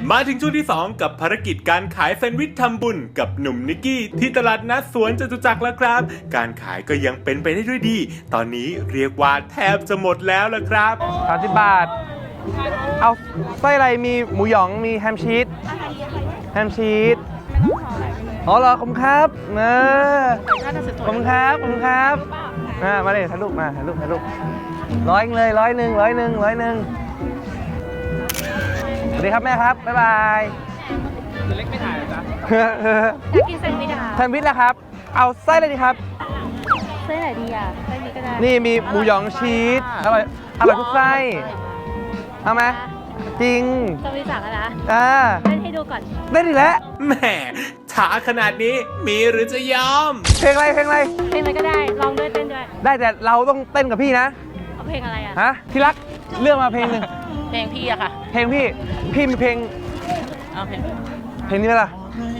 มาถึงช่วงที่ 2 กับภารกิจการขายแซนด์วิชทำบุญกับหนุ่มนิกกี้ที่ตลาดนัดสวนจตุจักรแล้วครับการขายก็ยังเป็นไปได้ด้วยดีตอนนี้เรียกว่าแทบจะหมดแล้วล่ะครับ 30 บาทเอาไส้อะไรมีหมูหยองมีแฮมชีสอ๋อเหรอขอบคุณครับขอบคุณครับมาเลยถ่ายรูปมาถ่ายรูปร้อยเลยร้อยหนึ่งสวัสดีครับแม่ครับบ๊ายบายเล็กไม่ถ่ายจ้ะอยากกินแซนด์วิชแซนด์วิชแล้วครับเอาไส้อะไรดีครับไส้ไหนดีอ่ะไส้นี้ก็ได้นี่มีหมูหยองชีสอร่อยทุกไส้เอาไหมจริงจะไปสั่งนะเล่นให้ดูก่อนได้ดีแล้วแหมช้าขนาดนี้มีหรือจะยอมเพลงอะไรเพลงอะไรก็ได้ลองด้วยเต้นด้วยได้แต่เราต้องเต้นกับพี่นะเอาเพลงอะไรอ่ะฮะที่รักเลือกมาเพลงหนึ่งเพลงพี่อะค่ะเพลงพี่มีเพลงเอาเพลงนี้ไหมล่ะ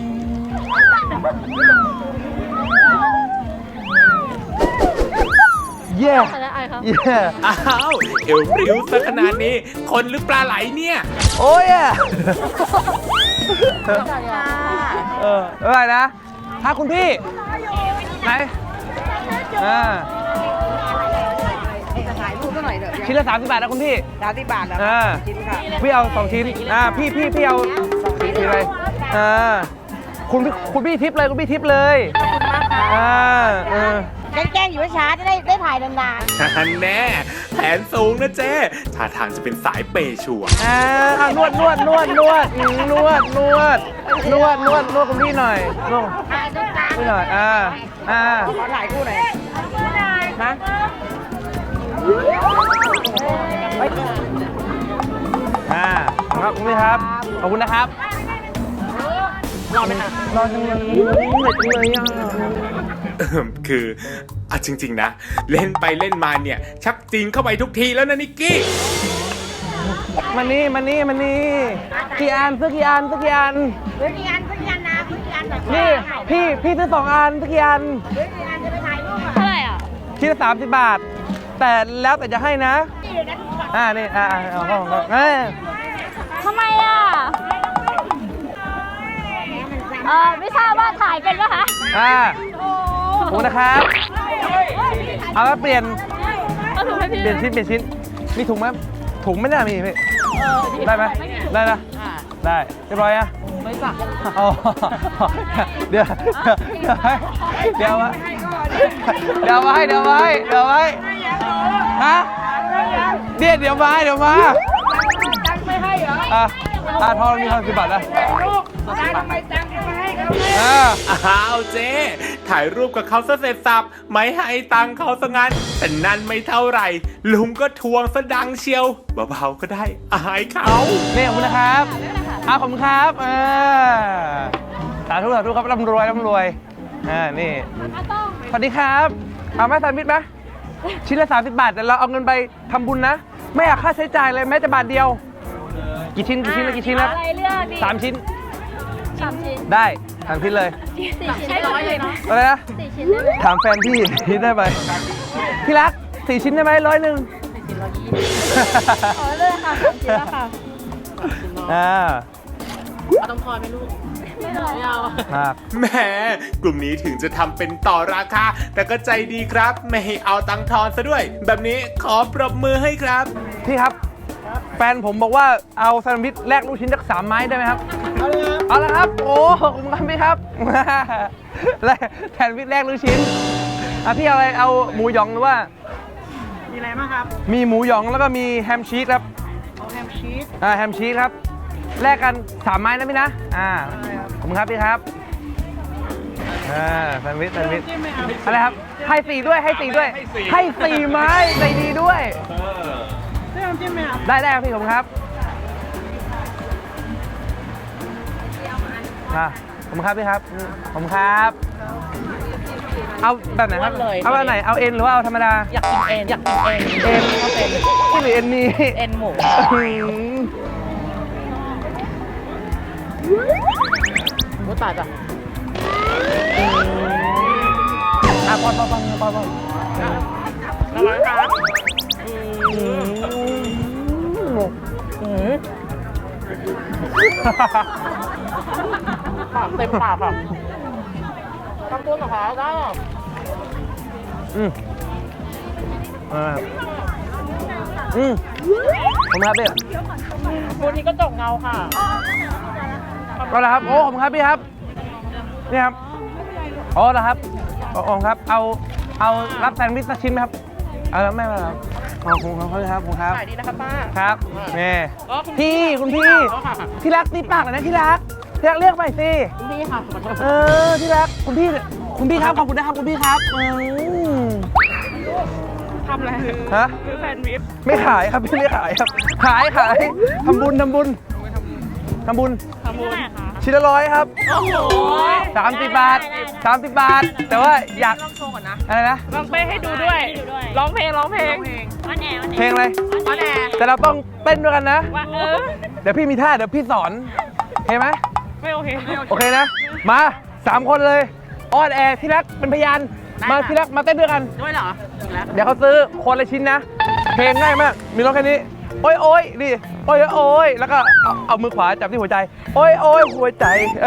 เย้อ้าวเอวริ้วซะขนาดนี้คนหรือปลาไหลเนี่ยโอ้ยอะไรนะถ้าคุณพี่ไหนชิ้นละ30 บาทนะคุณพี่ 30 บาทนะชิ้นค่ะพี่เอา2 ชิ้นพี่เอา2 ชิ้นอะไรคุณพี่ทิปเลยคุณพี่ทิปเลยแกล้งอยู่ช้าจะได้ถ่ายนานๆแน่แผนสูงนะเจ๊ท่าทางจะเป็นสายเปย์ชัวร์นวดคุณพี่หน่อยนวดพี่หน่อยขอถ่ายคู่หน่อยนะครับคุณพี่ครับขอบคุณนะครับรอไหมครับรอจังเลยคือจริงๆนะเล่นไปเล่นมาเนี่ยชักจริงเข้าไปทุกทีแล้วนะนิกกี้มานี่กี่อันซื้อกี่อันนะนี่พี่ซื้อ2 อันซื้อกี่อันจะไปถ่ายรูปเท่าไหร่อ่ะชิ้นละ30 บาทแต่แล้วแต่จะให้นะนี่เอาเข้าทำไมอ่ะไม่ทราบว่าถ่ายเป็นป่ะคะขอบคุณนะครับเอาแล้วเปลี่ยนชิ้นมีถุงไหมถุงไม่น่ามีพี่ได้ไหมได้นะได้เรียบร้อยอ่ะไม่สั่งเดี๋ยวไว้ฮะเดี๋ยวมาไม่ให้เหรอทอนมี30 บาทนะทำไมตังค์ไม่ให้ครับอ้าวเจ๊ถ่ายรูปกับเขาซะเสร็จสับไม่ให้ตังค์เขาซะงั้นแต่นั่นไม่เท่าไหร่ลุงก็ทวงซะดังเชียวเบาๆก็ได้อายเขาเนี่ยขอบคุณนะครับขอบคุณครับสาธุครับร่ำรวยนี่สวัสดีครับเอาไหมแซนด์วิชไหมชิ้นละ30 บาทแต่เราเอาเงินไปทำบุญนะไม่อยากค่าใช้จ่ายเลยแม้แต่บาทเดียวกี่ชิ้นแล้ว3 ชิ้นได้3 ชิ้นเลย 4 ชิ้น100เลยเนาะอะไรนะ 4 ชิ้นได้ไหมถามแฟนพี่ได้ไหมพี่รัก4 ชิ้นได้ไหม100 เลยค่ะ3 ชิ้นแล้วค่ะเอาต้องทอนไหมลูกไม่เอาแหมกลุ่มนี้ถึงจะทำเป็นต่อราคาแต่ก็ใจดีครับไม่ให้เอาตังค์ทอนซะด้วยแบบนี้ขอปรบมือให้ครับพี่ครับแฟนผมบอกว่าเอาแซนด์วิชแลกลูกชิ้นสัก3 ไม้ได้ไหมครับเอาละครับโอ้ขอบคุณครับพี่ครับแซนด์วิชแลกลูกชิ้นพี่เอาอะไรเอาหมูหยองหรือว่ามีอะไรบ้างครับมีหมูหยองแล้วก็มีแฮมชีสครับแฮมชีสครับแลกกัน3 ไม้นะพี่นะขอบคุณครับพี่ครับแซนด์วิชอะไรครับให้4 ด้วยให้4 ไม้ใจดีด้วยได้ครับพี่ผมครับผมครับพี่ครับผมครับเอาแบบไหนครับเอาแบบไหนเอาเอ็นหรือว่าเอาธรรมดาอยากกินเอ็นชอบเอ็นที่หรือเอ็นนี้เอ็นหมูตายจ้ะปอนเต็มปากค่ะทำตัวกับขาได้อืมผมครับพี่วันนี้ก็ตกเงาค่ะก็แล้วครับโอ้ผมครับพี่ครับนี่ครับอ๋อแล้วครับอ๋อครับ เอารับแซนด์วิชสักชิ้นไหมครับเอาแล้วไม่เป็นไรครับขอบคุณครับคุณครับขายดีนะครับป้าครับนี่อ๋อคุณพี่คุณพี่อ๋อค่ะที่รักตีปากหน่อยนะที่รักเรียกใหม่สิคุณพี่ค่ะขอโทษที่รักคุณพี่ครับขอบคุณนะครับคุณพี่ครับทำอะไรฮะซื้อแซนด์วิชไม่ขายครับพี่ไม่ขายครับขายทำบุญทำบุญชิ้นละ100ครับโอ้โห 30 บาท แต่ว่าอยากลองโชว์ก่อนนะอะไรนะลองเป้ให้ดูด้วยร้องเพลงเพลงอะไรออนแอร์แต่เราต้องเต้นด้วยกันนะว่าเดี๋ยวพี่มีท่าเดี๋ยวพี่สอนโอเคไหมไม่โอเคโอเคนะ มา3 คนเลยออนแอร์ที่รักเป็นพยานมาที่รักมาเต้นด้วยกันด้วยเหรอแล้วเดี๋ยวเขาซื้อคนละชิ้นนะ เพลงง่ายมาก มีร้องแค่นี้ โอ้ยโอ้ยนี่โอ้ยโอ้ยแล้วก็เอามือขวาจับที่หัวใจ โอ้ยโอ้ยหัวใจ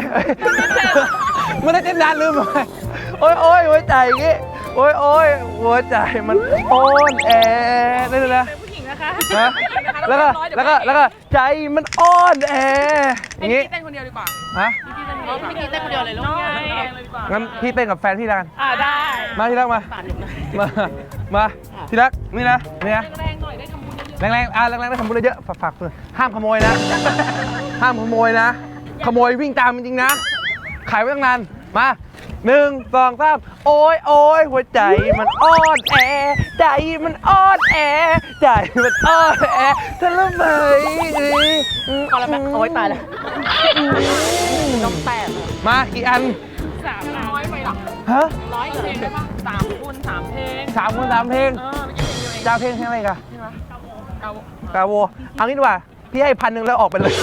ไม่ได้เต้นนานลืมไปโอ้ยโอ้ยหัวใจอย่างงี้โอ้ยโอ้ยหัวใจมันอ่อนแอได้เลยนะเป็นผู้หญิงนะคะฮะแล้วก็ใจมันอ่อนแออย่างงี้เต้นคนเดียวดีกว่าฮะพี่กี้เต้นคนเดียวเลยลูกงั้นพี่เต้นกับแฟนพี่แล้วกันได้มาที่รักมาฝากหนึ่งนะมาที่รักนี่นะแรงๆหน่อยได้ทำบุญเยอะแรงได้ทำบุญเยอะฝากเลยห้ามขโมยนะ ห้ามขโมยนะ ขโมยวิ่งตามจริงๆนะ ขายไว้ตั้งนาน มา1 2 3โอ้ยโอ้ยหัวใจมันอ่อนแอ ใจมันอ่อนแอ ใจมันอ่อนแอทะเลาะไหมพอแล้วแม่โอ๊ยตายแล้วน้องแตกมากี่อัน 300ไปหรอฮะ 100เพลงได้ปะ3 คูณ 3 เพลง 3 คน 3 เพลงไม่ใช่เพลงเดียวเองจะเอาเพลงอะไรกันเอากาโวเอางี้ดีกว่า พี่ให้1,000แล้วออกไปเลย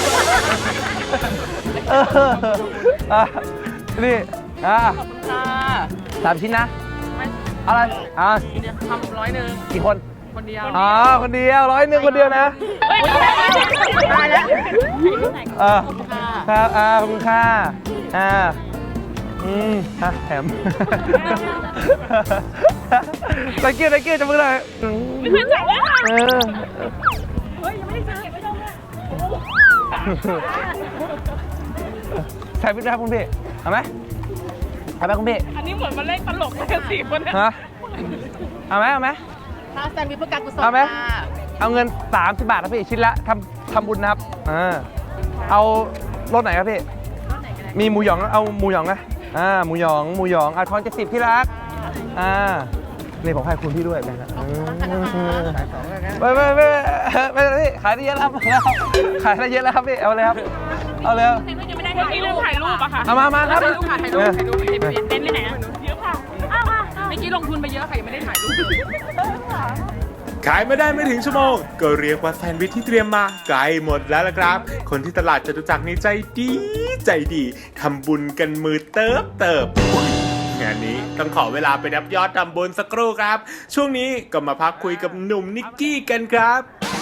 นี่ขอบคุณค่ะ 3 ชิ้นนะไม่อะไรเดี๋ยวทำ100 กี่คนคนเดียวคนเดียว100คนเดียวนะเฮ้ยตายแล้วครับขอบคุณค่ะแถมตะเกียบจะมือเลยไม่เคยจับเลยค่ะใส่พิษนะครับคุณพี่เอาไหมคุณพี่อันนี้เหมือนมาเล่นตลกกัน4 คนเนี่ยฮะเอาไหมถ้าแซนด์วิชเพื่อการกุศลเอาไหมค่ะเอาเงิน30 บาทครับพี่ชิ้นละทำบุญนะครับเอารสไหนครับพี่มีหมูหยองเอาหมูหยองนะหมูหยองทอน70ที่รักนี่ผมให้คุณพี่ด้วยนะครับไม่พี่ขายได้เยอะแล้วขายได้เยอะแล้วครับพี่เอาเลยครับเอาเลยครับยังไม่ได้ถ่ายรูปอะค่ะเอามาครับถ่ายรูปเต้นเลยนะเยอะค่ะเมื่อกี้ลงทุนไปเยอะค่ะยังไม่ได้ถ่ายรูปขายไม่ได้ไม่ถึงชั่วโมง ก็เรียกว่าแซนด์วิชที่เตรียมมาใกล้หมดแล้วล่ะครับ คนที่ตลาดจตุจักรนี่ใจดีทำบุญกันมือเติบอุ๊ยงานนี้ต้องขอเวลาไปนับยอดทำบุญสักครู่ครับ ช่วงนี้ก็มาพักคุยกับหนุ่มนิกกี้กันครับ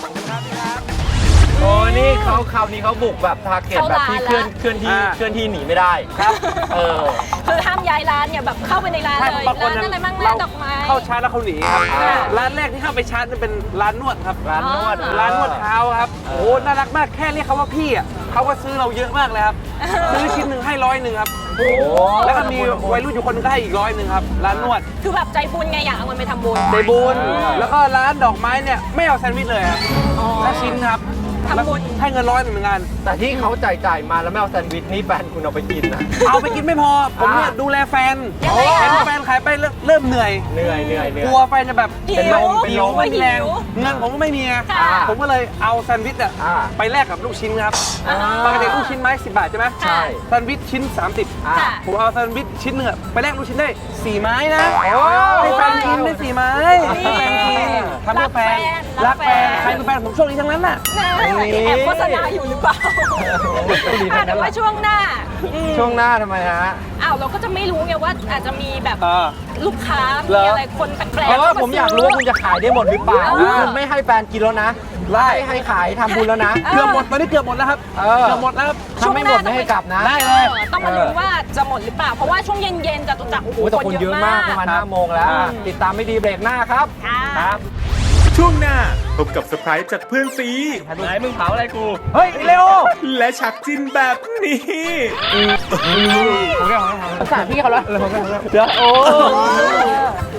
โอ้นี่คราวนี้เขาบุกแบบทาร์เก็ตแบบที่เคลื่อนที่หนีไม่ได้ครับคือห้ามย้ายร้านเนี่ยแบบเข้าไปในร้านเลยบางคนร้านอะไรบ้างร้านดอกไม้เข้าชาร์จแล้วเขาหนีครับร้านแรกที่เข้าไปชาร์จนั่นเป็นร้านนวดครับร้านนวดเท้าครับโอ้น่ารักมากแค่เรียกเขาว่าพี่อ่ะเขาก็ซื้อเราเยอะมากเลยครับซื้อชิ้นหนึ่งให้100ครับแล้วก็มีวัยรุ่นอยู่คนนึงก็ให้อีก100ครับร้านนวดคือแบบใจบุญไงอยากเอาเงินไปทำบุญใจบุญแล้วก็ร้านดอกไม้เนี่ยไม่เอาแซนด์วิชเลยครับแค่ชิ้นครับทำบุญให้เงิน100เหมือนกันแต่ที่เขาจ่ายมาแล้วไม่เอาแซนด์วิชนี่แฟนคุณเอาไปกินนะเอาไปกินไม่พอผมเนี่ยดูแลแฟนยังไงคะเห็นแฟนขายไปเริ่มเหนื่อยเหนื่อยกลัวแฟนจะแบบหิวเป็นลมไม่มีแรงหิวเงินผมก็ไม่มีไงค่ะผมก็เลยเอาแซนด์วิชอะไปแลกกับลูกชิ้นครับปกติลูกชิ้นไม้10 บาทใช่ไหมใช่แซนด์วิชชิ้น30 ค่ะผมเอาแซนด์วิชชิ้นหนึ่งอะไปแลกลูกชิ้นได้4 ไม้นะให้แฟนกินได้4 ไม้ให้แฟนกินทำเพื่อแฟนรักแฟนใครเป็นแฟนผมโชคดีทั้งนั้นน่ะนะรงนี้แอบโฆษณาอยู่หรือเปล่าแต่ว่าช่วงหน้าช่วงหน้าทำไมฮะอ้าวเราก็จะไม่รู้ไงว่าอาจจะมีแบบลูกค้าเหรมีออะไรคนแปลกๆเพราะว่าเข้ผมอยากรู้ว่าคุณจะขายได้หมดหรือเปล่าเออคุณไม่ให้แฟนกินแล้วนะให้ขายทำบุญแล้วนะเกือบหมดตอนนี้เกือบหมดแล้วครับเออเกือบหมดแล้วครับถ้าไม่หมดไม่ให้กลับนะได้เลยต้องมาลุ้นว่าจะหมดหรือเปล่า เพราะว่าช่วงเย็นๆจตุจักรโอ้โหโอ้ยแต่คนเยอะมากประมาณครับ 5 โมงแล้ว ติดตามไม่ดีเบรกหน้าครับค่ะช่วงหน้าพบกับเซอร์ไพรส์จากเพื่อนซีไหนมึงเผาอะไรกูเฮ้ยเร็วและฉากจินแบบนี้ผมแก้วสงสารพี่เขาแล้วเดี๋ยวโอ้